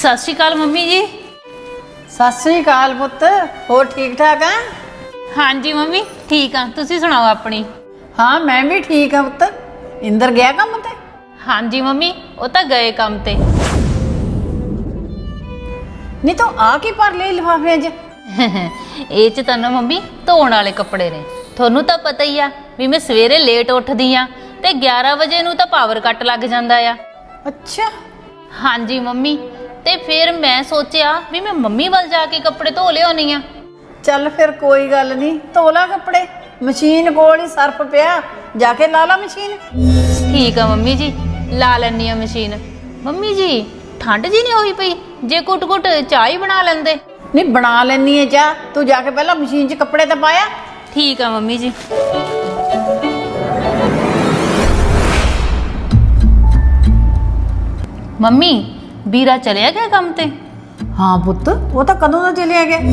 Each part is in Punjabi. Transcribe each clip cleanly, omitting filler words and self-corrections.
सत श्री अकाल मम्मी जी। सत श्री अकाल पुत्त, होर ठीक ठाक है? हाँ जी मम्मी ठीक हाँ, तुसी सुनाओ अपनी। हाँ मैं भी ठीक हाँ पुत्त। इंदर गया काम ते? हाँ जी मम्मी वो तो गए काम ते। नहीं तो आ की भर ले लिफाफे च? ਇਹ ਚ ਤਾਂ ਨਾ ਮੰਮੀ ਧੋਣ ਵਾਲੇ ਕੱਪੜੇ ਨੇ। ਤੁਹਾਨੂੰ ਤਾਂ ਪਤਾ ਹੀ ਆ ਵੀ ਮੈਂ ਸਵੇਰੇ ਲੇਟ ਉੱਠਦੀ ਆ ਤੇ 11 ਵਜੇ ਨੂੰ ਤਾਂ ਪਾਵਰ ਕੱਟ ਲੱਗ ਜਾਂਦਾ ਆ। ਅੱਛਾ। ਹਾਂਜੀ ਮੰਮੀ, ਤੇ ਫਿਰ ਮੈਂ ਸੋਚਿਆ ਵੀ ਮੈਂ ਮੰਮੀ ਵੱਲ ਜਾ ਕੇ ਕੱਪੜੇ ਧੋ ਲਿਆਉਣੀ ਆ। ਚੱਲ ਫਿਰ ਕੋਈ ਗੱਲ ਨਹੀਂ, ਧੋ ਲਾ ਕੱਪੜੇ, ਮਸ਼ੀਨ ਕੋਲ ਹੀ ਸਰਫ ਪਿਆ, ਜਾ ਕੇ ਲਾ ਲਾ ਮਸ਼ੀਨ। ਠੀਕ ਆ ਮੰਮੀ ਜੀ, ਲਾ ਲੈਣੀ ਆ ਮਸ਼ੀਨ। ਮੰਮੀ ਜੀ ਠੰਡ ਜੀ ਨਹੀਂ ਹੋਈ ਪਈ, ਜੇ ਕੁੱਟ-ਕੁੱਟ ਚਾਹ ਹੀ ਬਣਾ ਲੈਂਦੇ। नहीं बना लेनी है चाह, तू जाके पहला मशीन च कपड़े तो पाया। ठीक है मम्मी जी। मम्मी बीरा चलिया गया काम ते? हाँ पुत्त, वो तो कदों दा चलिया गया।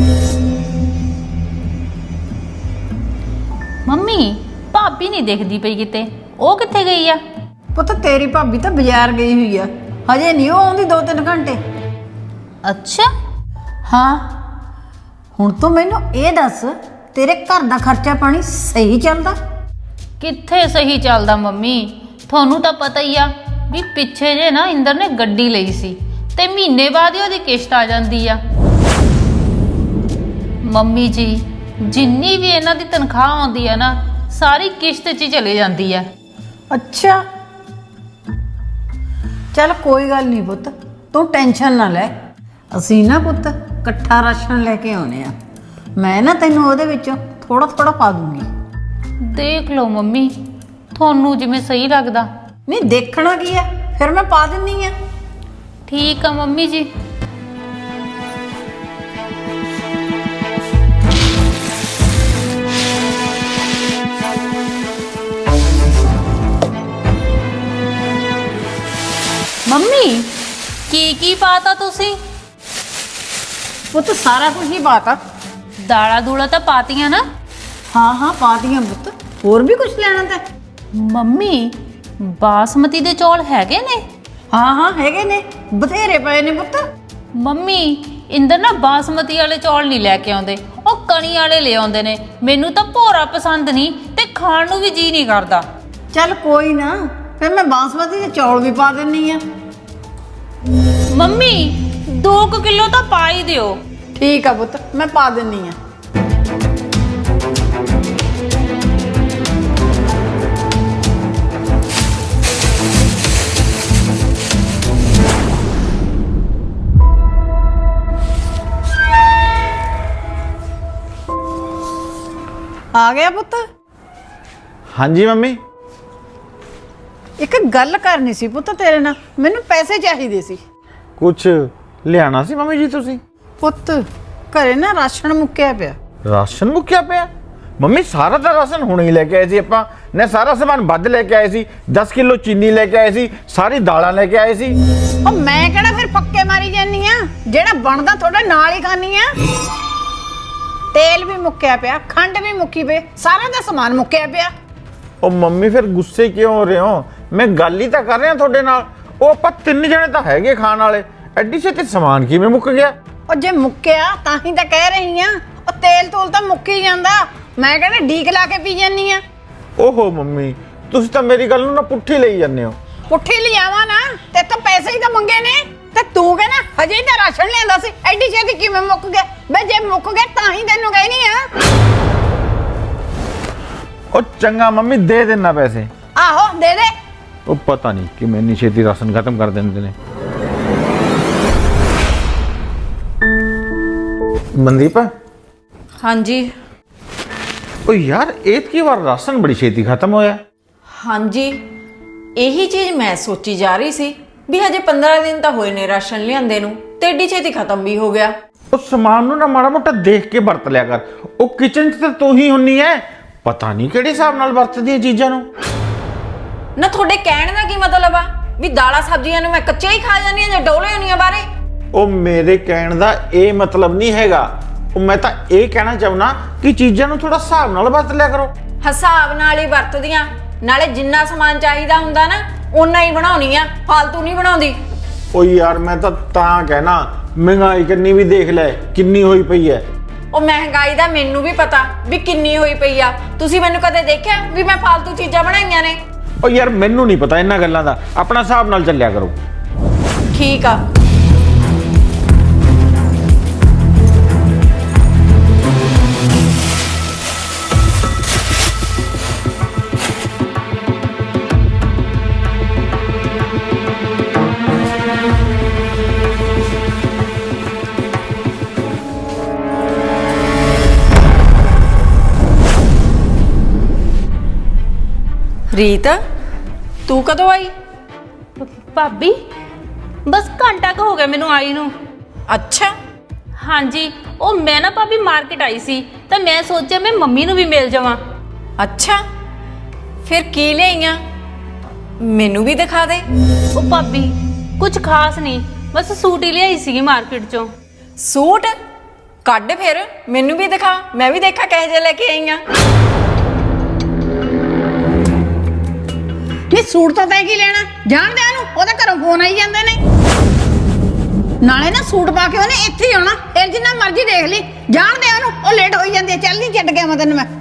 मम्मी भाभी नहीं दिखदी पई किते, ओ किथे गई आ? पुत्त तेरी भाभी तो बाजार गई हुई है, हजे नहीं वो आउंदी 2-3 घंटे। अच्छा हाँ हुण तो मैनू ये दस, तेरे घर दा खर्चा पानी सही चलदा? किथे सही चलदा मम्मी, थानू तो पता ही आ भी पिछे जे ना इंदर ने गड्डी लई सी ते महीने बाद ही ओदी किश्त आ जांदी आ। मम्मी जी जिन्नी भी इन्हां दी तनख्वाह आउंदी है ना सारी किश्त च ही चले जांदी है। अच्छा चल कोई गल नहीं पुत्त, तू टेंशन ना ले, ਅਸੀਂ ਨਾ ਪੁੱਤ ਇਕੱਠਾ ਰਾਸ਼ਨ ਲੈ ਕੇ ਆਉਨੇ ਆ। ਮੈਂ ਨਾ ਤੈਨੂੰ ਉਹਦੇ ਵਿੱਚੋਂ ਥੋੜਾ ਥੋੜਾ ਪਾ ਦੂੰਗੀ। ਦੇਖ ਲਓ ਮੰਮੀ ਤੁਹਾਨੂੰ ਜਿਵੇਂ ਸਹੀ ਲੱਗਦਾ। ਨਹੀਂ ਦੇਖਣਾ ਕੀ ਆ, ਫਿਰ ਮੈਂ ਪਾ ਦਿੰਨੀ ਆ। ਠੀਕ ਆ ਮੰਮੀ ਜੀ। ਮੰਮੀ ਕੀ ਪਾਤਾ ਤੁਸੀਂ? ਪੁੱਤ ਸਾਰਾ ਕੁਝ ਹੀ ਪਾਤਾ। ਦਾਲਾਂ ਦੂਲਾਂ ਤਾਂ ਪਾਤੀਆਂ ਨਾ? ਹਾਂ ਹਾਂ ਪਾਤੀਆਂ ਪੁੱਤ, ਹੋਰ ਵੀ ਕੁਝ ਲੈਣਾ ਤਾਂ? ਮੰਮੀ ਬਾਸਮਤੀ ਦੇ ਚੌਲ ਹੈਗੇ ਨੇ? ਹਾਂ ਹਾਂ ਹੈਗੇ ਨੇ, ਬਥੇਰੇ ਪਏ ਨੇ ਪੁੱਤ। ਮੰਮੀ ਇੰਦਰ ਨਾ ਬਾਸਮਤੀ ਵਾਲੇ ਚੌਲ ਨਹੀਂ ਲੈ ਕੇ ਆਉਂਦੇ, ਉਹ ਕਣੀ ਵਾਲੇ ਲੈ ਆਉਂਦੇ ਨੇ। ਮੈਨੂੰ ਤਾਂ ਭੋਰਾ ਪਸੰਦ ਨਹੀਂ ਤੇ ਖਾਣ ਨੂੰ ਵੀ ਜੀ ਨਹੀਂ ਕਰਦਾ। ਚੱਲ ਕੋਈ ਨਾ, ਫਿਰ ਮੈਂ ਬਾਸਮਤੀ ਦੇ ਚੌਲ ਵੀ ਪਾ ਦਿੰਨੀ ਆ। ਮੰਮੀ 2 ਕਿਲੋ ਤਾਂ ਪਾ ਹੀ ਦਿਓ। ਠੀਕ ਆ ਪੁੱਤ, ਮੈਂ ਪਾ ਦਿੰਨੀ ਆ। ਆ ਗਿਆ ਪੁੱਤ? ਹਾਂਜੀ ਮੰਮੀ। ਇੱਕ ਗੱਲ ਕਰਨੀ ਸੀ ਪੁੱਤ ਤੇਰੇ ਨਾਲ, ਮੈਨੂੰ ਪੈਸੇ ਚਾਹੀਦੇ ਸੀ। ਕੁਛ ਲਿਆਣਾ ਸੀ ਮੰਮੀ ਜੀ ਤੁਸੀਂ? ਪੁੱਤ ਘਰੇ ਨਾ ਰਾਸ਼ਨ ਮੁੱਕਿਆ ਪਿਆ। ਰਾਸ਼ਨ ਮੁੱਕਿਆ ਪਿਆ? ਮੰਮੀ ਸਾਰਾ ਤਾਂ ਰਾਸ਼ਨ ਹੁਣੇ ਹੀ ਲੈ ਕੇ ਆਏ ਸੀ ਆਪਾਂ ਨੇ, ਸਾਰਾ ਸਮਾਨ ਵੱਧ ਲੈ ਕੇ ਆਏ ਸੀ। 10 ਕਿਲੋ ਚੀਨੀ ਲੈ ਕੇ ਆਏ ਸੀ, ਸਾਰੀ ਦਾਲਾਂ ਲੈ ਕੇ ਆਏ ਸੀ। ਉਹ ਮੈਂ ਕਿਹੜਾ ਫਿਰ ਪੱਕੇ ਮਾਰੀ ਜਾਨੀ ਆ, ਜਿਹੜਾ ਬਣਦਾ ਤੁਹਾਡੇ ਨਾਲ ਹੀ ਖਾਨੀ ਆ। ਤੇਲ ਵੀ ਮੁੱਕਿਆ ਪਿਆ, ਖੰਡ ਵੀ ਮੁੱਕੀ ਪਈ, ਸਾਰਾ ਦਾ ਸਮਾਨ ਮੁੱਕਿਆ ਪਿਆ। ਉਹ ਮੰਮੀ ਫਿਰ ਗੁੱਸੇ ਕਿਉਂ ਹੋ ਰਹੇ ਹੋ? ਮੈਂ ਗੱਲ ਹੀ ਤਾਂ ਕਰ ਰਿਹਾ ਤੁਹਾਡੇ ਨਾਲ। ਉਹ ਆਪਾਂ 3 ਜਣੇ ਤਾਂ ਹੈਗੇ ਖਾਣ ਵਾਲੇ, ਐਡੀ ਛੇਤੀ ਸਮਾਨ ਕਿਵੇਂ ਮੁੱਕ ਗਿਆ? ਉਹ ਜੇ ਮੁੱਕਿਆ ਤਾਂ ਹੀ ਤਾਂ ਕਹਿ ਰਹੀ ਆ, ਉਹ ਤੇਲ ਤੂਲ ਤਾਂ ਮੁੱਕ ਹੀ ਜਾਂਦਾ। ਮੈਂ ਕਹਿੰਦਾ ਢੀਕ ਲਾ ਕੇ ਪੀ ਜਾਨੀ ਆ। ਓਹੋ ਮੰਮੀ ਤੁਸੀਂ ਤਾਂ ਮੇਰੀ ਗੱਲ ਨੂੰ ਨਾ ਪੁੱਠੀ ਲਈ ਜਾਂਦੇ ਹੋ। ਪੁੱਠੀ ਲਿਆਵਾਂ ਨਾ, ਤੇ ਤਾਂ ਪੈਸੇ ਹੀ ਤਾਂ ਮੰਗੇ ਨੇ, ਤੇ ਤੂੰ ਕਹਿੰਦਾ ਹਜੇ ਹੀ ਤਾਂ ਰਾਸ਼ਨ ਲਿਆਂਦਾ ਸੀ, ਐਡੀ ਛੇਤੀ ਕਿਵੇਂ ਮੁੱਕ ਗਿਆ? ਬਈ ਜੇ ਮੁੱਕ ਗਿਆ ਤਾਂ ਹੀ ਤੈਨੂੰ ਕਹਿਨੀ ਆ। ਉਹ ਚੰਗਾ ਮੰਮੀ ਦੇ ਦੇਣਾ ਪੈਸੇ। ਆਹੋ ਦੇ ਦੇ। ਉਹ ਪਤਾ ਨਹੀਂ ਕਿ ਮੈਂ ਇੰਨੀ ਛੇਤੀ ਰਾਸ਼ਨ ਖਤਮ ਕਰ ਦਿੰਦੇ ਨੇ। ਮਨਦੀਪ। हाँ जी। ਉਹ ਯਾਰ ਐਤਕੀ ਵਾਰ ਰਾਸ਼ਨ ਬੜੀ ਛੇਤੀ ਖਤਮ ਹੋਇਆ। हाँ जी यही चीज़ मैं सोची जा रही सी भी हजे 15 दिन तो होए ने राशन लियांदे नूं ते एडी छेती खत्म भी हो गया। ਉਹ ਸਮਾਨ ਨੂੰ ਨਾ ਮਾੜਾ ਮੋਟਾ ਦੇਖ ਕੇ ਵਰਤ ਲਿਆ ਕਰ। ਉਹ ਕਿਚਨ 'ਚ ਤਾਂ ਤੂੰ ਹੀ ਹੁੰਨੀ ਐ, ਪਤਾ ਨਹੀਂ ਕਿਹੜੇ ਹਿਸਾਬ ਨਾਲ ਵਰਤਦੀ ਐ ਚੀਜ਼ਾਂ ਨੂੰ। ना थोड़े कहण दा की मतलब आ भी दाला सब्जियां नूं मैं कच्चे ही खा जानी जां डोले होनी बारे? ਉਹ ਮੇਰੇ ਕਹਿਣ ਦਾ ਇਹ ਮਤਲਬ ਨਹੀਂ ਹੈਗਾ। ਉਹ ਮੈਂ ਤਾਂ ਇਹ ਕਹਿਣਾ ਚਾਹੁੰਦਾ ਕਿ ਚੀਜ਼ਾਂ ਨੂੰ ਥੋੜਾ ਹਿਸਾਬ ਨਾਲ ਵਰਤ ਲਿਆ ਕਰੋ। हिसाब नाल ही वरतदियां, नाले जिन्ना समान चाहिदा हुंदा ना उन्ना ही बनाउणी आ, फालतू नहीं बनाउंदी। ਓ ਯਾਰ ਮੈਂ ਤਾਂ ਕਹਿਣਾ ਮਹਿੰਗਾਈ ਕਿੰਨੀ ਵੀ ਦੇਖ ਲੈ ਕਿੰਨੀ ਹੋਈ ਪਈ ਹੈ। ਉਹ ਮਹਿੰਗਾਈ ਦਾ ਮੈਨੂੰ ਵੀ ਪਤਾ ਵੀ ਕਿੰਨੀ ਹੋਈ ਪਈ ਆ। ਤੁਸੀਂ ਮੈਨੂੰ ਕਦੇ ਦੇਖਿਆ ਵੀ ਮੈਂ ਫालतू ਚੀਜ਼ਾਂ ਬਣਾਈਆਂ ਨੇ? ਓ ਯਾਰ ਮੈਨੂੰ ਨਹੀਂ ਪਤਾ ਇਹਨਾਂ ਗੱਲਾਂ ਦਾ, ਆਪਣਾ ਹਿਸਾਬ ਨਾਲ ਚੱਲਿਆ ਕਰੋ। ਠੀਕ ਆ। ਰੀਤ, ਤੂੰ ਕਦੋਂ ਆਈ? ਭਾਬੀ ਬਸ ਘੰਟਾ ਕੁ ਹੋ ਗਿਆ ਮੈਨੂੰ ਆਈ ਨੂੰ। ਅੱਛਾ, ਹਾਂਜੀ, ਉਹ ਮੈਂ ਨਾ ਭਾਬੀ ਮਾਰਕੀਟ ਆਈ ਸੀ ਤਾਂ ਮੈਂ ਸੋਚਿਆ ਮੈਂ ਮੰਮੀ ਨੂੰ ਵੀ ਮਿਲ ਜਾਵਾਂ। ਅੱਛਾ, ਫਿਰ ਕੀ ਲਿਆਈਆਂ? ਮੈਨੂੰ ਵੀ ਦਿਖਾ ਦੇ। ਉਹ ਭਾਬੀ ਕੁਝ ਖਾਸ ਨਹੀਂ, ਬਸ ਸੂਟ ਹੀ ਲਿਆਈ ਸੀਗੀ ਮਾਰਕੀਟ ਚੋਂ। ਸੂਟ ਕੱਢ, ਫਿਰ ਮੈਨੂੰ ਵੀ ਦਿਖਾ, ਮੈਂ ਵੀ ਦੇਖਾਂ ਕਿਹੋ ਜਿਹੇ ਲੈ ਕੇ ਆਈਆਂ। ਨਹੀਂ ਸੂਟ ਤਾਂ ਤੈਂ ਕੀ ਲੈਣਾ, ਜਾਣਦੇ ਉਹਨੂੰ, ਉਹਦੇ ਘਰੋਂ ਫੋਨ ਆਈ ਜਾਂਦੇ ਨੇ। ਨਾਲੇ ਨਾ ਸੂਟ ਪਾ ਕੇ ਉਹਨੇ ਇੱਥੇ ਹੀ ਆਉਣਾ, ਫਿਰ ਜਿੰਨਾ ਮਰਜ਼ੀ ਦੇਖ ਲਈ, ਜਾਣਦੇ ਉਹਨੂੰ, ਉਹ ਲੇਟ ਹੋਈ ਜਾਂਦੀ ਹੈ। ਚੱਲ ਨਹੀਂ ਛੱਡ ਗਿਆ ਮੈਂ ਤੈਨੂੰ। ਮੈਂ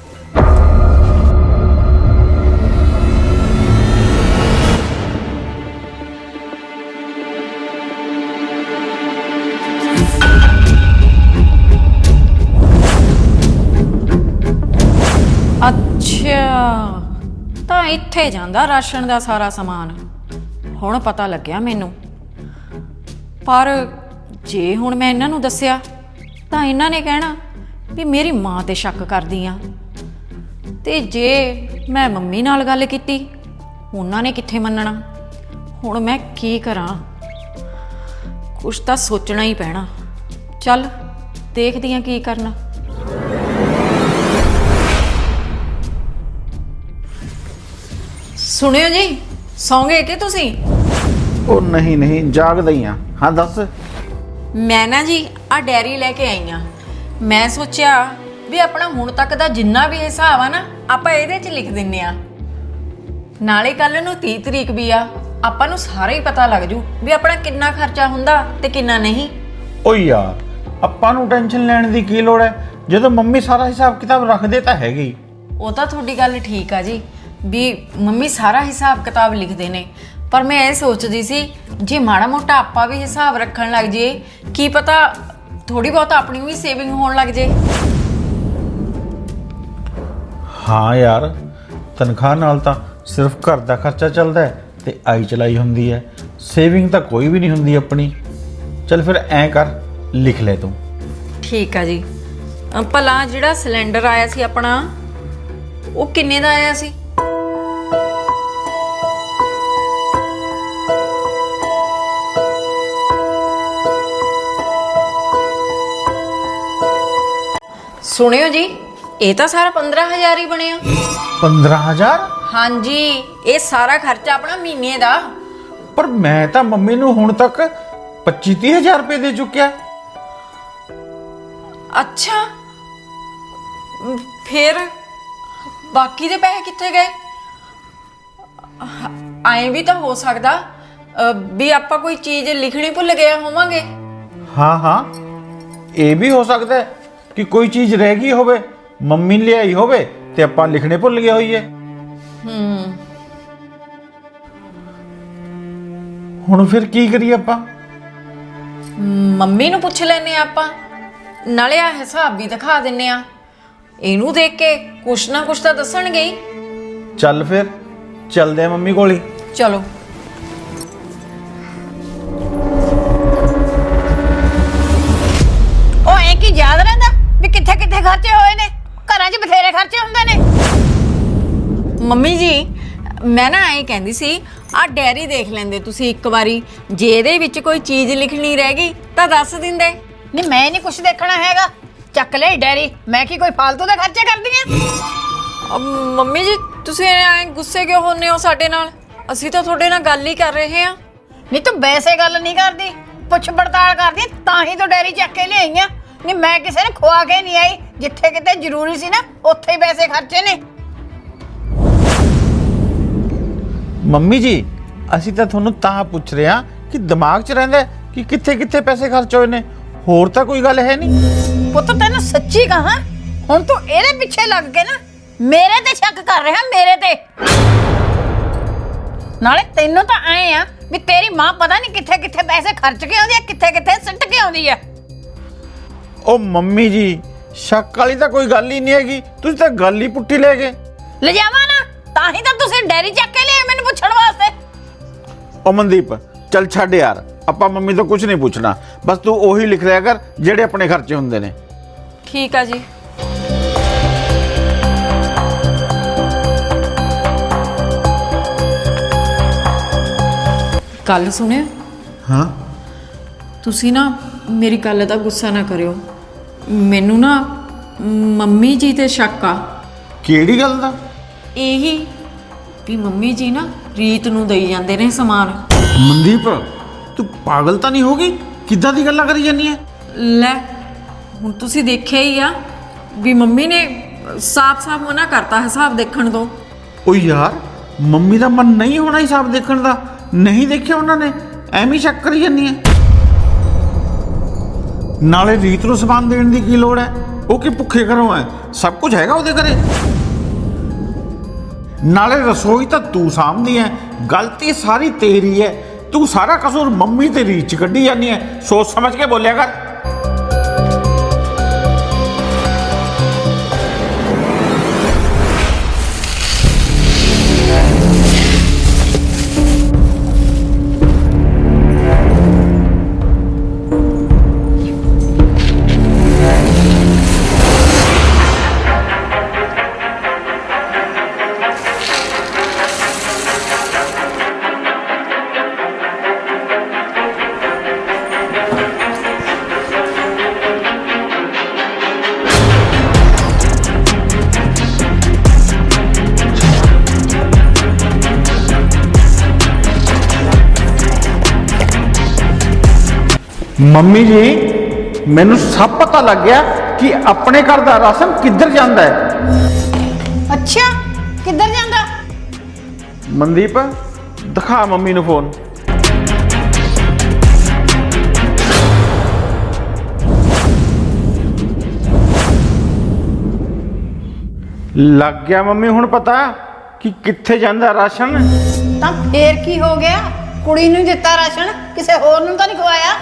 ਅੱਛਾ, ਤਾਂ ਇੱਥੇ ਜਾਂਦਾ ਰਾਸ਼ਨ ਦਾ ਸਾਰਾ ਸਮਾਨ। ਹੁਣ ਪਤਾ ਲੱਗਿਆ ਮੈਨੂੰ। ਪਰ ਜੇ ਹੁਣ ਮੈਂ ਇਹਨਾਂ ਨੂੰ ਦੱਸਿਆ ਤਾਂ ਇਹਨਾਂ ਨੇ ਕਹਿਣਾ ਵੀ ਮੇਰੀ ਮਾਂ ਤੇ ਸ਼ੱਕ ਕਰਦੀ ਆ, ਤੇ ਜੇ ਮੈਂ ਮੰਮੀ ਨਾਲ ਗੱਲ ਕੀਤੀ ਉਹਨਾਂ ਨੇ ਕਿੱਥੇ ਮੰਨਣਾ। ਹੁਣ ਮੈਂ ਕੀ ਕਰਾਂ? ਕੁਛ ਤਾਂ ਸੋਚਣਾ ਹੀ ਪੈਣਾ। ਚੱਲ ਦੇਖਦੀ ਆ ਕੀ ਕਰਨਾ। ਸੁਣਿਓ ਜੀ, ਸੌਂ ਗਏ ਕਿ ਤੁਸੀਂ? ਉਹ ਨਹੀਂ ਜਾਗਦਾ ਹੀ ਆ। ਹਾਂ ਦੱਸ। ਮੈਂ ਨਾ ਜੀ ਆ ਡੈਰੀ ਲੈ ਕੇ ਆਈ ਆ। ਮੈਂ ਸੋਚਿਆ ਵੀ ਆਪਣਾ ਹੁਣ ਤੱਕ ਦਾ ਜਿੰਨਾ ਵੀ ਹਿਸਾਬ ਆ ਨਾ, ਆਪਾਂ ਇਹਦੇ 'ਚ ਲਿਖ ਦਿੰਨੇ ਆ। ਨਾਲੇ ਕੱਲ ਨੂੰ 30 ਤਰੀਕ ਵੀ ਆ, ਆਪਾਂ ਨੂੰ ਸਾਰਾ ਹੀ ਪਤਾ ਲੱਗ ਜੂ ਵੀ ਆਪਣਾ ਕਿੰਨਾ ਖਰਚਾ ਹੁੰਦਾ ਤੇ ਕਿੰਨਾ ਨਹੀਂ। ਓ ਯਾਰ ਆਪਾਂ ਨੂੰ ਟੈਨਸ਼ਨ ਲੈਣ ਦੀ ਕੀ ਲੋੜ ਹੈ, ਜਦੋਂ ਮੰਮੀ ਸਾਰਾ ਹਿਸਾਬ ਕਿਤਾਬ ਰੱਖਦੇ ਤਾਂ ਹੈਗੀ। ਉਹ ਤਾਂ ਤੁਹਾਡੀ ਗੱਲ ਠੀਕ ਆ ਜੀ ਵੀ ਮੰਮੀ ਸਾਰਾ ਹਿਸਾਬ ਕਿਤਾਬ ਲਿਖਦੇ ਨੇ, ਪਰ ਮੈਂ ਇਹ ਸੋਚਦੀ ਸੀ ਜੇ ਮਾੜਾ ਮੋਟਾ ਆਪਾਂ ਵੀ ਹਿਸਾਬ ਰੱਖਣ ਲੱਗ ਜੇ, ਕੀ ਪਤਾ ਥੋੜੀ ਬਹੁਤ ਆਪਣੀ ਵੀ ਸੇਵਿੰਗ ਹੋਣ ਲੱਗ ਜੇ। ਹਾਂ ਯਾਰ, ਤਨਖਾਹ ਨਾਲ ਤਾਂ ਸਿਰਫ ਘਰ ਦਾ ਖਰਚਾ ਚੱਲਦਾ ਹੈ ਤੇ ਆਈ ਚਲਾਈ ਹੁੰਦੀ ਹੈ, ਸੇਵਿੰਗ ਤਾਂ ਕੋਈ ਵੀ ਨਹੀਂ ਹੁੰਦੀ ਆਪਣੀ। ਚੱਲ ਫਿਰ ਐਂ ਕਰ, ਲਿਖ ਲੈ ਤੂੰ। ਠੀਕ ਆ ਜੀ। ਭਲਾ ਜਿਹੜਾ ਸਿਲੰਡਰ ਆਇਆ ਸੀ ਆਪਣਾ, ਉਹ ਕਿੰਨੇ ਦਾ ਆਇਆ ਸੀ? ਸੁਣਿਓ ਜੀ, ਇਹ ਤਾਂ ਸਾਰਾ 15,000 ਹੀ ਬਣਿਆ। 15,000? ਹਾਂਜੀ, ਇਹ ਸਾਰਾ ਖਰਚਾ ਆਪਣਾ ਮਹੀਨੇ ਦਾ। ਪਰ ਮੈਂ ਤਾਂ ਮੰਮੀ ਨੂੰ ਹੁਣ ਤੱਕ 25-30,000 ਰੁਪਏ ਦੇ ਚੁੱਕਿਆ। ਅੱਛਾ, ਫਿਰ ਬਾਕੀ ਦੇ ਪੈਸੇ ਕਿੱਥੇ ਗਏ? ਐਂ ਵੀ ਤਾਂ ਹੋ ਸਕਦਾ ਵੀ ਆਪਾਂ ਕੋਈ ਚੀਜ਼ ਲਿਖਣੀ ਭੁੱਲ ਗਏ ਹੋਵਾਂਗੇ। ਹਾਂ ਇਹ ਵੀ ਹੋ ਸਕਦਾ ਹੈ ਕਿ ਕੋਈ ਚੀਜ਼ ਰਹਿ ਗਈ ਹੋਵੇ, ਮੰਮੀ ਨੇ ਲਿਆਈ ਹੋਵੇ ਤੇ ਆਪਾਂ ਲਿਖਣੇ ਭੁੱਲ ਗਏ ਹੋਈਏ। ਹੁਣ ਫਿਰ ਕੀ ਕਰੀਏ ਆਪਾਂ? ਮੰਮੀ ਨੂੰ ਪੁੱਛ ਲੈਨੇ ਆਪਾਂ, ਨਾਲੇ ਆ ਹਿਸਾਬ ਵੀ ਦਿਖਾ ਦਿੰਨੇ ਆ। ਇਹਨੂੰ ਦੇਖ ਕੇ ਕੁਛ ਨਾ ਕੁਛ ਤਾਂ ਦੱਸਣਗੇ ਹੀ। ਚੱਲ ਫਿਰ ਚੱਲਦੇ ਆ ਮੰਮੀ ਕੋਲ ਹੀ। ਚਲੋ। ਉਹ ਐ ਕੀ ਯਾਦ ਰਹਿੰਦਾ ਵੀ ਕਿੱਥੇ ਕਿੱਥੇ ਖਰਚੇ ਹੋਏ ਨੇ? ਘਰਾਂ 'ਚ ਬਥੇਰੇ ਖਰਚੇ ਹੁੰਦੇ ਨੇ। ਮੰਮੀ ਜੀ, ਮੈਂ ਨਾ ਐਂ ਕਹਿੰਦੀ ਸੀ, ਆ ਡੈਰੀ ਦੇਖ ਲੈਂਦੇ ਤੁਸੀਂ ਇੱਕ ਵਾਰੀ, ਜੇ ਇਹਦੇ ਵਿੱਚ ਕੋਈ ਚੀਜ਼ ਲਿਖਣੀ ਰਹਿ ਗਈ ਤਾਂ ਦੱਸ ਦਿੰਦੇ। ਨਹੀਂ ਮੈਂ ਨਹੀਂ ਕੁਝ ਦੇਖਣਾ ਹੈਗਾ, ਚੱਕ ਲੈ ਡੈਰੀ। ਮੈਂ ਕੀ ਕੋਈ ਫालतू ਦੇ ਖਰਚੇ ਕਰਦੀ ਆ? ਮੰਮੀ ਜੀ, ਤੁਸੀਂ ਐਂ ਗੁੱਸੇ ਕਿਉਂ ਹੁੰਨੇ ਹੋ ਸਾਡੇ ਨਾਲ? ਅਸੀਂ ਤਾਂ ਤੁਹਾਡੇ ਨਾਲ ਗੱਲ ਹੀ ਕਰ ਰਹੇ ਹਾਂ। ਨਹੀਂ ਤੂੰ ਵੈਸੇ ਗੱਲ ਨਹੀਂ ਕਰਦੀ, ਪੁੱਛ ਪੜਤਾਲ ਕਰਦੀ, ਤਾਂ ਹੀ ਤੂੰ ਡੈਰੀ ਚੱਕ ਕੇ ਲਿਆਈ ਆ। ਨਹੀਂ ਮੈਂ ਕਿਸੇ ਨੇ ਖਵਾ ਕੇ ਨਹੀਂ ਆਈ, ਜਿੱਥੇ ਕਿਤੇ ਜ਼ਰੂਰੀ ਸੀ ਨਾ ਉੱਥੇ ਹੀ ਪੈਸੇ ਖਰਚੇ ਨੇ। ਮੰਮੀ ਜੀ, ਅਸੀਂ ਤਾਂ ਤੁਹਾਨੂੰ ਤਾਂ ਪੁੱਛ ਰਹੇ ਹਾਂ ਕਿ ਦਿਮਾਗ 'ਚ ਰਹਿੰਦਾ ਹੈ ਕਿ ਕਿੱਥੇ ਕਿੱਥੇ ਪੈਸੇ ਖਰਚ ਹੋਏ ਨੇ? ਹੋਰ ਤਾਂ ਕੋਈ ਗੱਲ ਹੈ ਨਹੀਂ। ਪੁੱਤ ਤੈਨੂੰ ਸੱਚੀ ਕਹਾਂ, ਹੁਣ ਤੂੰ ਇਹਦੇ ਪਿੱਛੇ ਲੱਗ ਕੇ ਨਾ ਮੇਰੇ ਤੇ ਸ਼ੱਕ ਕਰ ਰਿਹਾ, ਮੇਰੇ ਤੇ। ਨਾਲੇ ਤੈਨੂੰ ਤਾਂ ਐ ਆ ਵੀ ਤੇਰੀ ਮਾਂ ਪਤਾ ਨਹੀਂ ਕਿੱਥੇ ਕਿੱਥੇ ਪੈਸੇ ਖਰਚ ਕੇ ਆਉਂਦੀ ਆ, ਕਿੱਥੇ ਕਿੱਥੇ ਸਿੱਟ ਕੇ ਆਉਂਦੀ ਆ। ਉਹ ਮੰਮੀ ਜੀ, ਸ਼ੱਕ ਵਾਲੀ ਤਾਂ ਕੋਈ ਗੱਲ ਹੀ ਨਹੀਂ ਹੈਗੀ, ਤੁਸੀਂ ਤਾਂ ਗੱਲ ਹੀ ਪੁੱਠੀ ਲੈ ਗਏ। ਲਿਜਾਵਾਂ ਨਾ, ਤਾਂ ਹੀ ਤਾਂ ਤੁਸੀਂ ਡੈਰੀ ਚੱਕ ਕੇ ਲਿਆਏ ਮੈਨੂੰ ਪੁੱਛਣ ਵਾਸਤੇ। ਉਹ ਮਨਦੀਪ ਚੱਲ ਛੱਡ ਯਾਰ, ਆਪਾਂ ਮੰਮੀ ਤੋਂ ਕੁਝ ਨਹੀਂ ਪੁੱਛਣਾ, ਬਸ ਤੂੰ ਉਹੀ ਲਿਖ ਲਿਆ ਕਰ ਜਿਹੜੇ ਆਪਣੇ ਖਰਚੇ ਹੁੰਦੇ ਨੇ। ਠੀਕ ਆ ਜੀ। ਗੱਲ ਸੁਣਿਓ, ਹਾਂ ਤੁਸੀਂ ਨਾ ਮੇਰੀ ਗੱਲ ਦਾ ਗੁੱਸਾ ਨਾ ਕਰਿਓ। ਮੈਨੂੰ ਨਾ ਮੰਮੀ ਜੀ ਤੇ ਸ਼ੱਕ ਆ। ਕਿਹੜੀ ਗੱਲ ਦਾ? ਇਹੀ ਵੀ ਮੰਮੀ ਜੀ ਨਾ ਰੀਤ ਨੂੰ ਦੇਈ ਜਾਂਦੇ ਨੇ ਸਮਾਨ। ਮਨਦੀਪ ਤੂੰ ਪਾਗਲ ਤਾਂ ਨਹੀਂ ਹੋ ਗਈ? ਕਿੱਦਾਂ ਦੀ ਗੱਲਾਂ ਕਰੀ ਜਾਂਦੀ ਹੈ? ਲੈ ਹੁਣ ਤੁਸੀਂ ਦੇਖਿਆ ਹੀ ਆ ਵੀ ਮੰਮੀ ਨੇ ਸਾਫ਼-ਸਾਫ਼ ਮਨਾ ਕਰਤਾ ਹਿਸਾਬ ਦੇਖਣ ਤੋਂ। ਓ ਯਾਰ, ਮੰਮੀ ਦਾ ਮਨ ਨਹੀਂ ਹੋਣਾ ਹਿਸਾਬ ਦੇਖਣ ਦਾ? ਨਹੀਂ ਦੇਖਿਆ ਉਹਨਾਂ ਨੇ? ਐਵੇਂ ਸ਼ੱਕ ਕਰੀ ਜਾਂਦੀ ਹੈ। ਨਾਲੇ ਰੀਤ ਨੂੰ ਸਮਾਨ ਦੇਣ ਦੀ ਕੀ ਲੋੜ ਹੈ? ਉਹ ਕਿ ਭੁੱਖੇ ਘਰੋਂ ਹੈ, ਸਭ ਕੁਝ ਹੈਗਾ ਉਹਦੇ ਘਰੇ। ਨਾਲੇ ਰਸੋਈ ਤਾਂ ਤੂੰ ਸਾਂਭਦੀ ਹੈ, ਗਲਤੀ ਸਾਰੀ ਤੇਰੀ ਹੈ। ਤੂੰ ਸਾਰਾ ਕਸੂਰ ਮੰਮੀ ਤੇ ਰੀਤ 'ਚ ਕੱਢੀ ਜਾਂਦੀ ਹੈ। ਸੋਚ ਸਮਝ ਕੇ ਬੋਲਿਆ ਕਰ। ਮੰਮੀ ਜੀ, ਮੈਨੂੰ ਸਭ ਪਤਾ ਲੱਗ ਗਿਆ ਕਿ ਆਪਣੇ ਘਰ ਦਾ ਰਾਸ਼ਨ ਕਿੱਧਰ ਜਾਂਦਾ ਹੈ। ਅੱਛਾ, ਕਿੱਧਰ ਜਾਂਦਾ? ਮਨਦੀਪ ਦਿਖਾ ਮੰਮੀ ਨੂੰ ਫੋਨ। ਲੱਗ ਗਿਆ ਮੰਮੀ ਹੁਣ ਪਤਾ ਕਿ ਕਿੱਥੇ ਜਾਂਦਾ ਰਾਸ਼ਨ? ਤਾਂ ਫੇਰ ਕੀ ਹੋ ਗਿਆ? ਕੁੜੀ ਨੂੰ ਦਿੱਤਾ ਰਾਸ਼ਨ, ਕਿਸੇ ਹੋਰ ਨੂੰ ਤਾਂ ਨਹੀਂ ਖਵਾਇਆ।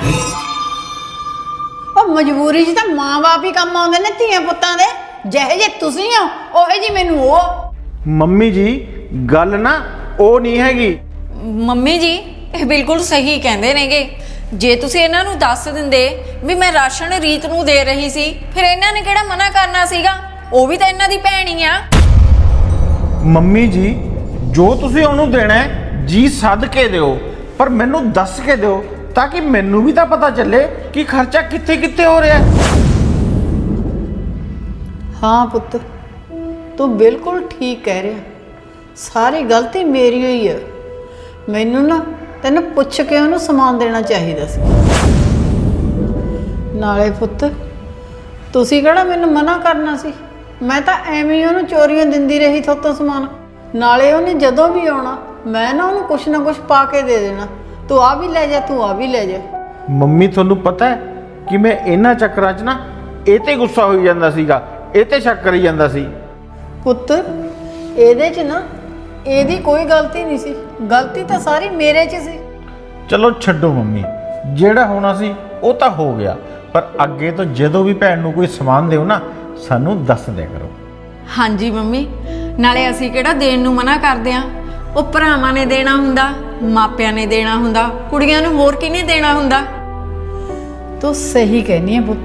ਉਹ ਮਜਬੂਰੀ 'ਚ ਤਾਂ ਮਾਂ-ਬਾਪ ਹੀ ਕੰਮ ਆਉਂਦੇ ਨੇ ਧੀਆਂ ਪੁੱਤਾਂ ਦੇ। ਜਿਹੇ ਜੇ ਤੁਸੀਂ ਹੋ ਉਹੇ ਜੀ ਮੈਨੂੰ ਉਹ। ਮੰਮੀ ਜੀ ਗੱਲ ਨਾ ਉਹ ਨਹੀਂ ਹੈਗੀ। ਮੰਮੀ ਜੀ ਇਹ ਬਿਲਕੁਲ ਸਹੀ ਕਹਿੰਦੇ ਨੇਗੇ। ਜੇ ਤੁਸੀਂ ਇਹਨਾਂ ਨੂੰ ਦੱਸ ਦਿੰਦੇ ਵੀ ਮੈਂ ਰਾਸ਼ਨ ਰੀਤ ਨੂੰ ਦੇ ਰਹੀ ਸੀ, ਫਿਰ ਇਹਨਾਂ ਨੇ ਕਿਹੜਾ ਮਨਾ ਕਰਨਾ ਸੀਗਾ? ਉਹ ਵੀ ਤਾਂ ਇਹਨਾਂ ਦੀ ਭੈਣ ਹੀ ਆ। ਮੰਮੀ ਜੀ, ਜੋ ਤੁਸੀਂ ਉਹਨੂੰ ਦੇਣਾ ਹੈ ਜੀ ਸੱਦ ਕੇ ਦਿਓ, ਪਰ ਮੈਨੂੰ ਦੱਸ ਕੇ ਦਿਓ ਤਾਂ ਕਿ ਮੈਨੂੰ ਵੀ ਤਾਂ ਪਤਾ ਚੱਲੇ ਕਿ ਖਰਚਾ ਕਿੱਥੇ ਕਿੱਥੇ ਹੋ ਰਿਹਾ ਹੈ। ਹਾਂ ਪੁੱਤ, ਤੂੰ ਬਿਲਕੁਲ ਠੀਕ ਕਹਿ ਰਿਹਾ। ਸਾਰੀ ਗਲਤੀ ਮੇਰੀ ਹੋਈ ਹੈ। ਮੈਨੂੰ ਨਾ ਤੈਨੂੰ ਪੁੱਛ ਕੇ ਉਹਨੂੰ ਸਮਾਨ ਦੇਣਾ ਚਾਹੀਦਾ ਸੀ। ਨਾਲੇ ਪੁੱਤ, ਤੁਸੀਂ ਕਿਹੜਾ ਮੈਨੂੰ ਮਨਾ ਕਰਨਾ ਸੀ? ਮੈਂ ਤਾਂ ਐਵੇਂ ਹੀ ਉਹਨੂੰ ਚੋਰੀਆਂ ਦਿੰਦੀ ਰਹੀ ਥੋਤੋਂ ਸਮਾਨ। ਨਾਲੇ ਉਹਨੇ ਜਦੋਂ ਵੀ ਆਉਣਾ ਮੈਂ ਨਾ ਉਹਨੂੰ ਕੁਛ ਨਾ ਕੁਛ ਪਾ ਕੇ ਦੇ ਦੇਣਾ। ਤੂੰ ਆ ਵੀ ਲੈ ਜਾ, ਤੂੰ ਆ ਵੀ ਲੈ ਜਾ। ਮੰਮੀ ਤੁਹਾਨੂੰ ਪਤਾ ਹੈ ਕਿ ਮੈਂ ਇਹਨਾਂ ਚੱਕਰਾਂ 'ਚ ਨਾ ਇਹ ਤੇ ਗੁੱਸਾ ਹੋਈ ਜਾਂਦਾ ਸੀਗਾ, ਇਹ ਤੇ ਸ਼ੱਕ ਕਰੀ ਜਾਂਦਾ ਸੀ। ਪੁੱਤ ਇਹਦੇ 'ਚ ਨਾ ਇਹਦੀ ਕੋਈ ਗਲਤੀ ਨਹੀਂ ਸੀ, ਗਲਤੀ ਤਾਂ ਸਾਰੀ ਮੇਰੇ 'ਚ ਸੀ। ਚਲੋ ਛੱਡੋ ਮੰਮੀ, ਜਿਹੜਾ ਹੋਣਾ ਸੀ ਉਹ ਤਾਂ ਹੋ ਗਿਆ, ਪਰ ਅੱਗੇ ਤੋਂ ਜਦੋਂ ਵੀ ਭੈਣ ਨੂੰ ਕੋਈ ਸਮਾਨ ਦਿਓ ਨਾ ਸਾਨੂੰ ਦੱਸ ਦਿਆ ਕਰੋ। ਹਾਂਜੀ ਮੰਮੀ, ਨਾਲੇ ਅਸੀਂ ਕਿਹੜਾ ਦੇਣ ਨੂੰ ਮਨਾ ਕਰਦੇ ਆ? ਉਹ ਭਰਾਵਾਂ ਨੇ ਦੇਣਾ ਹੁੰਦਾ, ਮਾਪਿਆਂ ਨੇ ਦੇਣਾ ਹੁੰਦਾ, ਕੁੜੀਆਂ ਨੂੰ ਹੋਰ ਕਿਹਨੇ ਦੇਣਾ ਹੁੰਦਾ? ਤੂੰ ਸਹੀ ਕਹਿਨੀ ਹੈ ਪੁੱਤ।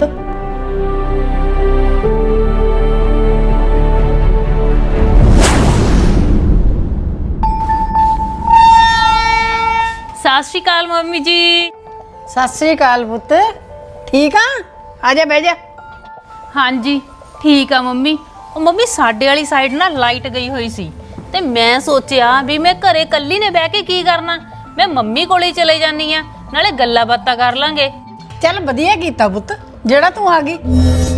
ਸਤਿ ਸ਼੍ਰੀ ਅਕਾਲ ਮੰਮੀ ਜੀ। ਸਤਿ ਸ੍ਰੀ ਅਕਾਲ ਪੁੱਤ। ਠੀਕ ਆ? ਆ ਜਾ ਬਹਿ ਜਾ। ਹਾਂਜੀ ਠੀਕ ਆ ਮੰਮੀ। ਉਹ ਮੰਮੀ ਸਾਡੇ ਵਾਲੀ ਸਾਈਡ ਨਾ ਲਾਈਟ ਗਈ ਹੋਈ ਸੀ ਤੇ ਮੈਂ ਸੋਚਿਆ ਵੀ ਮੈਂ ਘਰੇ ਇਕੱਲੀ ਨੇ ਬਹਿ ਕੇ ਕੀ ਕਰਨਾ, ਮੈਂ ਮੰਮੀ ਕੋਲੇ ਚਲੇ ਜਾਨੀ ਆ, ਨਾਲੇ ਗੱਲਾਂ ਬਾਤਾਂ ਕਰ ਲਾਂਗੇ। ਚੱਲ ਵਧੀਆ ਕੀਤਾ ਪੁੱਤ ਜਿਹੜਾ ਤੂੰ ਆ ਗਈ।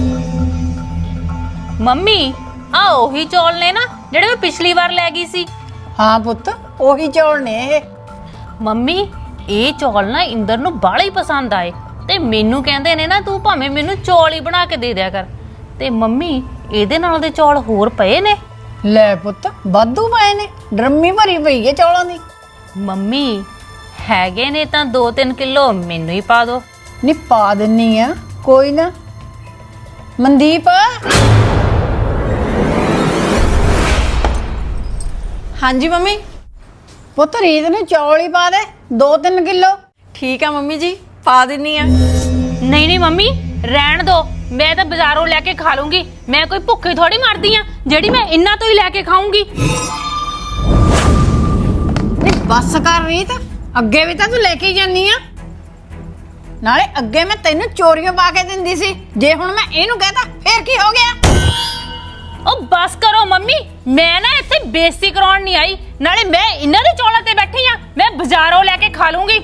ਮੰਮੀ ਆ ਉਹੀ ਚੌਲ ਨੇ ਨਾ ਜਿਹੜੇ ਮੈਂ ਪਿਛਲੀ ਵਾਰ ਲੈ ਗਈ ਸੀ? ਹਾਂ ਪੁੱਤ, ਉਹੀ ਚੌਲ ਨੇ ਇਹ। ਮੰਮੀ ਇਹ ਚੌਲ ਨਾ ਇੰਦਰ ਨੂੰ ਬਾਹਲੇ ਹੀ ਪਸੰਦ ਆਏ ਤੇ ਮੈਨੂੰ ਕਹਿੰਦੇ ਨੇ ਨਾ ਤੂੰ ਭਾਵੇਂ ਮੈਨੂੰ ਚੌਲ ਹੀ ਬਣਾ ਕੇ ਦੇ ਦਿਆ ਕਰ। ਤੇ ਮੰਮੀ ਇਹਦੇ ਨਾਲ ਦੇ ਚੌਲ ਹੋਰ ਪਏ ਨੇ? ਲੈ ਪੁੱਤ ਵਾਧੂ ਪਏ ਨੇ, ਡਰਮੀ ਭਰੀ ਪਈ ਹੈ ਚੌਲਾਂ ਦੀ। ਮੰਮੀ ਹੈਗੇ ਨੇ ਤਾਂ 2-3 ਕਿਲੋ ਮੈਨੂੰ ਹੀ ਪਾ ਦਿਓ। ਨੀ ਪਾ ਦਿੰਨੀ ਆ, ਕੋਈ ਨਾ। ਮਨਦੀਪ ਹਾਂਜੀ ਮੰਮੀ। ਪੁੱਤ ਰੀਤ ਨੂੰ ਚੌਲ ਹੀ ਪਾ ਦੇ 2-3 ਕਿਲੋ। ਠੀਕ ਆ ਮੰਮੀ ਜੀ, ਪਾ ਦਿੰਨੀ ਆ। ਨਹੀਂ ਨਹੀਂ ਮੰਮੀ ਰਹਿਣ ਦੋ, ਮੈਂ ਤਾਂ ਬਾਜ਼ਾਰੋਂ ਲੈ ਕੇ ਖਾ ਲੂੰਗੀ। ਮੈਂ ਕੋਈ ਭੁੱਖੀ ਥੋੜੀ ਮਰਦੀ ਆ ਜਿਹੜੀ ਮੈਂ ਇਹਨਾਂ ਤੋਂ ਹੀ ਲੈ ਕੇ ਖਾਊਂਗੀ। ਨੀ ਬੱਸ ਕਰ ਰੀਤ, ਅੱਗੇ ਵੀ ਤਾਂ ਤੂੰ ਲੈ ਕੇ ਹੀ ਜਾਨੀ ਆ। ਨਾਲੇ ਅੱਗੇ ਮੈਂ ਤੈਨੂੰ ਚੋਰੀਆਂ ਪਾ ਕੇ ਦਿੰਦੀ ਸੀ, ਜੇ ਹੁਣ ਮੈਂ ਇਹਨੂੰ ਕਹਤਾ ਫੇਰ ਕੀ ਹੋ ਗਿਆ? ਉਹ ਬਸ ਕਰੋ ਮੰਮੀ, ਮੈਂ ਨਾ ਇੱਥੇ ਬੇਇੱਜ਼ਤੀ ਕਰਾਉਣ ਨਹੀਂ ਆਈ। ਨਾਲੇ ਮੈਂ ਇਹਨਾਂ ਦੇ ਚੌਲਾਂ ਤੇ ਬੈਠੀ ਆ, ਮੈਂ ਬਾਜ਼ਾਰੋਂ ਲੈ ਕੇ ਖਾ ਲੂੰਗੀ।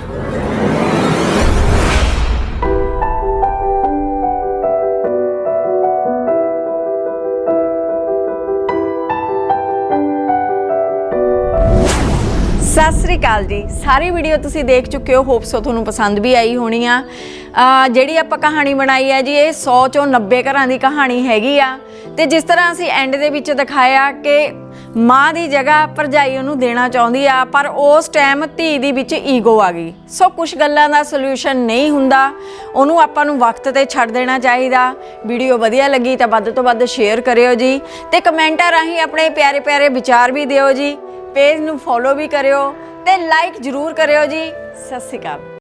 ਸਤਿ ਸ੍ਰੀ ਅਕਾਲ ਜੀ। ਸਾਰੀ ਵੀਡੀਓ ਤੁਸੀਂ ਦੇਖ ਚੁੱਕੇ ਹੋ, ਹੋਪ ਸੋ ਤੁਹਾਨੂੰ ਪਸੰਦ ਵੀ ਆਈ ਹੋਣੀ ਆ। ਜਿਹੜੀ ਆਪਾਂ ਕਹਾਣੀ ਬਣਾਈ ਹੈ ਜੀ, ਇਹ 100 ਚੋਂ 90 ਘਰਾਂ ਦੀ ਕਹਾਣੀ ਹੈਗੀ ਆ। ਤੇ ਜਿਸ ਤਰ੍ਹਾਂ ਅਸੀਂ ਐਂਡ ਦੇ ਵਿੱਚ ਦਿਖਾਇਆ ਕਿ ਮਾਂ ਦੀ ਜਗ੍ਹਾ ਭਰਜਾਈ ਉਹਨੂੰ ਦੇਣਾ ਚਾਹੁੰਦੀ ਆ, ਪਰ ਉਸ ਟਾਈਮ ਧੀ ਦੀ ਵਿੱਚ ਈਗੋ ਆ ਗਈ। ਸੋ ਕੁਝ ਗੱਲਾਂ ਦਾ ਸੋਲੂਸ਼ਨ ਨਹੀਂ ਹੁੰਦਾ, ਉਹਨੂੰ ਆਪਾਂ ਨੂੰ ਵਕਤ ਤੇ ਛੱਡ ਦੇਣਾ ਚਾਹੀਦਾ। ਵੀਡੀਓ ਵਧੀਆ ਲੱਗੀ ਤਾਂ ਵੱਧ ਤੋਂ ਵੱਧ ਸ਼ੇਅਰ ਕਰਿਓ ਜੀ, ਤੇ ਕਮੈਂਟਾਂ ਰਾਹੀਂ ਆਪਣੇ ਪਿਆਰੇ ਪਿਆਰੇ ਵਿਚਾਰ ਵੀ ਦਿਓ ਜੀ। पेज नू फॉलो भी करियो ते लाइक जरूर करियो जी। सत श्री अकाल।